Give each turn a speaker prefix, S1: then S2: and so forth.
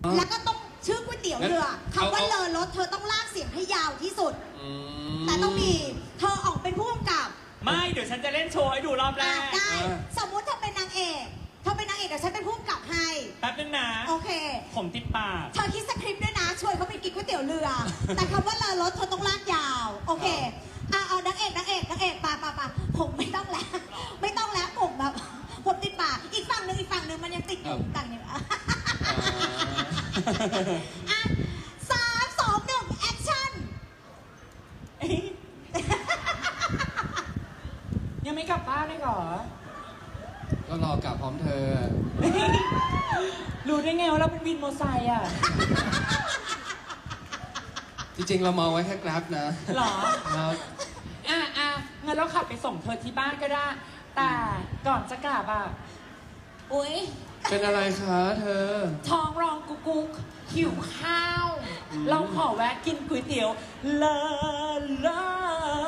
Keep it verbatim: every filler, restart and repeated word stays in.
S1: แล้วก็ต้องชื่อก๋วยเตี๋ยวเรือคำว่าเลอรถเธอต้องลากเสียงให้ยาวที่สุดแต่ต้องมีเธอออกเป็นผู้กำกับ
S2: ไม่เดี๋ยวฉันจะเล่นโชว์ให้ดูรอบแรก
S1: ได้สมมุติเธอเป็นนางเอกเธอเป็นนางเอกเดี๋ยวฉันเป็นผู้กำกับให้
S2: แป๊บนึงนะ
S1: โอเค
S2: ผมติดปาก
S1: เธอคิดสคริปต์ด้วยนะช่วยเขาไปกินก๋วยเตี๋ยวเรือแต่คำว่าเลอรถเธอต้องลากยาวโอเคอ่ะเอานางเอกนางเอกนางเอกปาปาปาผมไม่ต้องแล้วไม่ต้องแล้วผมแบบผมติดปากอีกฝั่งหนึ่งอีกฝั่งหนึ่งมันยังติดอยู่ต่างอย่างอ่ะสามสองหนึ่งแอคชั่น
S2: ยังไม่กลับบ้านเลยเหรอ
S3: ก็รอกลับพร้อมเธอ
S2: รู้ได้ไงว่าเราเป็นวินมอเตอร์ไซค์อ่ะ
S3: จริงๆเรามองไว้แค่กราฟนะ
S2: หรอ
S3: ครับ
S2: อ่ะอ่ะงั้นเราขับไปส่งเธอที่บ้านก็ได้แต่ก่อนจะกลับอ่ะอุ๊ย
S3: เป็นอะไรคะเธอ
S2: ท้องร้องกุ๊กกุ๊กหิวข้าวเราขอแวะกินก๋วยเตี๋ยวเลอเลอ